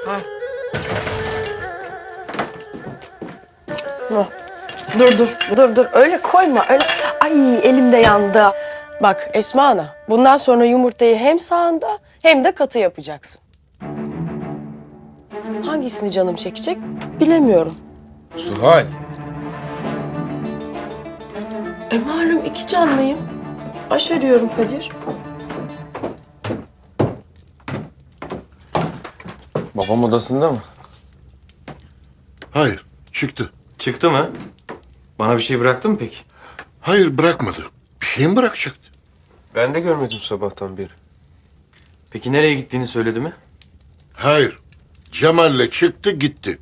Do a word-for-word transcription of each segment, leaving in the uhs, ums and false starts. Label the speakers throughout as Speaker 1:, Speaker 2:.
Speaker 1: Ha. Ha. Dur dur dur dur öyle koyma öyle. Ay elim de yandı. Bak Esma Ana bundan sonra yumurtayı hem sağında hem de katı yapacaksın. Hangisini canım çekecek bilemiyorum.
Speaker 2: Zuhal.
Speaker 1: E malum iki canlıyım. Aş arıyorum Kadir.
Speaker 2: Babam odasında mı?
Speaker 3: Hayır, çıktı.
Speaker 2: Çıktı mı? Bana bir şey bıraktı mı peki?
Speaker 3: Hayır, bırakmadı. Bir şey mi bırakacaktı?
Speaker 2: Ben de görmedim sabahtan beri. Peki nereye gittiğini söyledi mi?
Speaker 3: Hayır. Cemal'le çıktı gitti.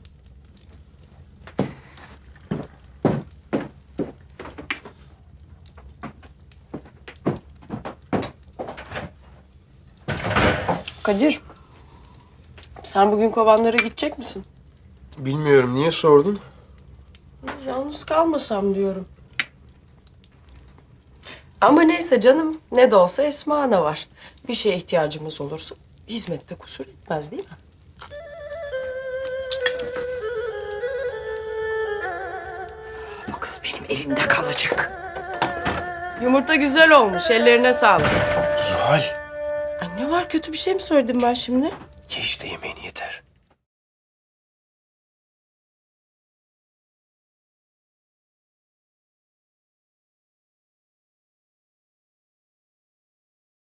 Speaker 1: Kadir, sen bugün kovanlara gidecek misin?
Speaker 2: Bilmiyorum. Niye sordun?
Speaker 1: Yalnız kalmasam diyorum. Ama neyse canım, ne de olsa Esma Ana var. Bir şeye ihtiyacımız olursa hizmette kusur etmez değil mi?
Speaker 4: Bu kız benim elimde kalacak.
Speaker 1: Yumurta güzel olmuş, ellerine sağlık.
Speaker 2: Zuhal.
Speaker 1: Ay ne var, kötü bir şey mi söyledim ben şimdi?
Speaker 2: Ye işte yemeğini yeter.